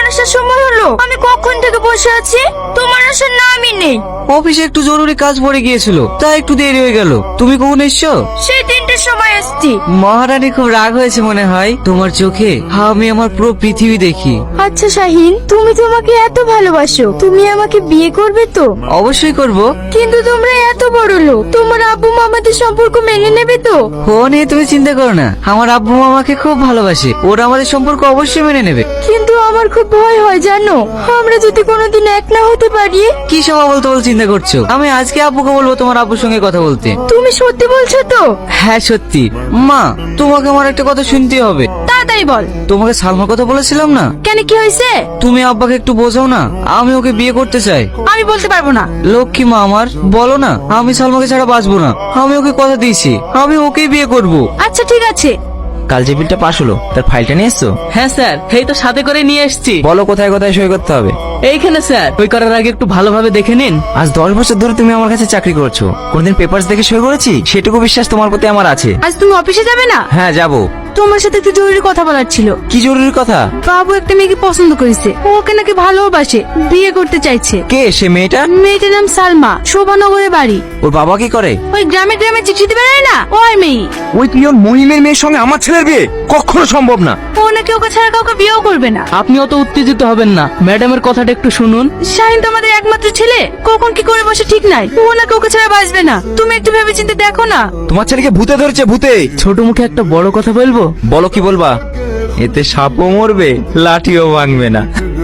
আসার সময় হলো। আমি কখন থেকে বসে আছি, তোমার আসার নামই নেই। অফিসে একটু জরুরি কাজ পড়ে গিয়েছিল, তাই একটু দেরি হয়ে গেল। তুমি কখন এসছো? সেই 3টের সময় এসছি। মহারানী খুব রাগ হয়েছে মনে হয়। তোমার চোখে আমি আমার পুরো পৃথিবী দেখি। আচ্ছা শাহিন, তুমি তোমাকে এত ভালোবাসো, তুমি আমাকে বিয়ে করবে তো? অবশ্যই করব। কিন্তু তোমরা এত বড় লোক, তোমার আব্বু মামাদের সম্পর্ক মেনে নেবে তো? ও নিয়ে তুমি চিন্তা করো না, আমার আব্বু আমাকে খুব ভালোবাসে, ওরা আমাদের সম্পর্ক অবশ্যই মেনে নেবে। কিন্তু আমার খুব ভয় হয় জানো, আমরা যদি কোনোদিন এক না হতে পারি। কি সব বলতে চিন্তা করছো? আমি আজকে আব্বুকে বলবো তোমার আব্বুর সঙ্গে কথা বলতে। তুমি সত্যি বলছো তো? হ্যাঁ সত্যি। মা, তোমাকে আমার একটা কথা শুনতে হবে। তাড়াতাড়ি বল। তোমাকে সালমার কথা বলেছিলাম না? কেন, কি হয়েছে? তুমি আব্বাকে একটু বোঝাও না, আমি ওকে বিয়ে করতে চাই। আমি বলতে পারবো না। লক্ষ্মী মা আমার, বলো না। আমি সালমাকে ছাড়া বাঁচবো না, আমি ওকে কথা দিয়েছি, আমি ওকেই বিয়ে করব। আচ্ছা ঠিক আছে। কাল যে বিলটা পাস হলো তার ফাইলটা নিয়ে এসছো? হ্যাঁ স্যার, এই তো সাথে করে নিয়ে এসেছি। বলো কোথায় কোথায় সই করতে হবে। এইখানে স্যার, ওই করার আগে একটু ভালোভাবে দেখে নিন। আজ 10 বছর ধরে তুমি আমার কাছে চাকরি করছো, কোনদিন পেপারস দেখে সই করেছি? সেটুকু বিশ্বাস তোমার প্রতি আমার আছে। আজ তুমি অফিসে যাবে না? হ্যাঁ যাবো। তোমার সাথে একটু জরুরি কথা বলার ছিল। কি জরুরি কথা? বাবু একটা মেয়েকে পছন্দ করেছে, ও ওকে নাকি ভালোবাসে, বিয়ে করতে চাইছে। কে সে মেয়েটা? মেয়েটার নাম সালমা, শোভানগরে বাড়ি। ওর বাবা কি করে? ওই গ্রামে গ্রামে চিঠি দিতে বেড়ায় না, ওই মেয়ে। ওই পিয়ন মহিমের মেয়ের সঙ্গে আমার ছেলের বিয়ে কখনো সম্ভব না। ও নাকি ওকে ছাড়া কাউকে বিয়েও করবে না। আপনি অত উত্তেজিত হবেন না, ম্যাডামের কথাটা একটু শুনুন। শাহিন তো আমাদের একমাত্র ছেলে, কখন কি করে বসে ঠিক নাই। ও নাকি ওকে ছাড়া বাঁচবে না। তুমি একটু ভেবেচিন্তে দেখো না। তোমার ছেলেকে ভূতে ধরেছে, ভূতে। ছোট মুখে একটা বড় কথা বলবো। বলো কি বলবা? এতে সাপও মরবে, লাঠিও ভাঙবে না।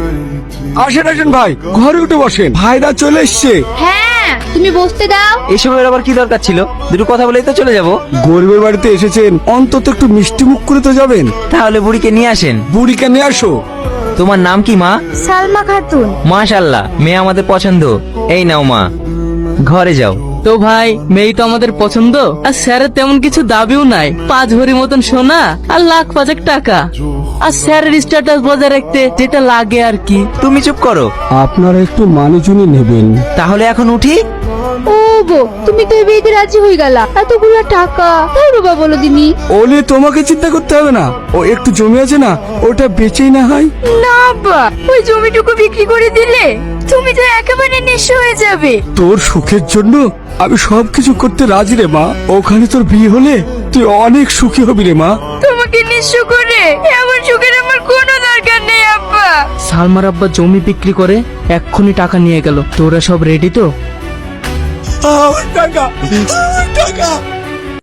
আসেন আসেন ভাই, ঘরে উঠে বসেন, ভাইরা চলে এসছে। হ্যাঁ, তুমি বসতে দাও। এসবের আবার কি দরকার ছিল? দুটো কথা বলেই তো চলে যাব। গরিবের বাড়িতে এসেছেন, অন্তত একটু মিষ্টি মুখ করে তো যাবেন। তাহলে বুড়িকে নিয়ে আসেন। বুড়িকে নিয়ে আসো। তোমার নাম কি মা? সালমা খাতুন। মাশাআল্লাহ, মেয়ে আমাদের পছন্দ। এই নাও মা, ঘরে যাও। তো ভাই, মেয়ে তো আমাদের পছন্দ, আর স্যারের তেমন কিছু দাবিও নাই। 5 ভরি মতন সোনা আর লাখ 5 টাকা, আর স্যারের স্ট্যাটাস বজায় রাখতে যেটা লাগে আর কি। তুমি চুপ করো। আপনারা একটু মানুষজনই নেবেন। তাহলে এখন উঠি। ও বো, তুমি তো এই বিয়েতে রাজি হয়ে গেলা, এতগুলো টাকা তাই বাবা বলো দিনি। ও নিয়ে তোমাকে চিন্তা করতে হবে না, ও একটু জমি আছে না, ওটা বেচেই না হয়। না বা, ওই জমিটুকু বিক্রি করে দিলে তুমি তো একেবারে নিঃস্ব হয়ে যাবে। তোর সুখের জন্য আমি সবকিছু করতে রাজি রে মা। ওখানে তোর বিয়ে হলে তুই অনেক সুখী হবি রে মা। তোমাকে নিঃস্ব করে আমার সুখের আমার কোনো দরকার নেই আব্বা। সালমার আব্বা জমি বিক্রি করে এক্ষুনি টাকা নিয়ে গেল। তোরা সব রেডি তো? টাকা টাকা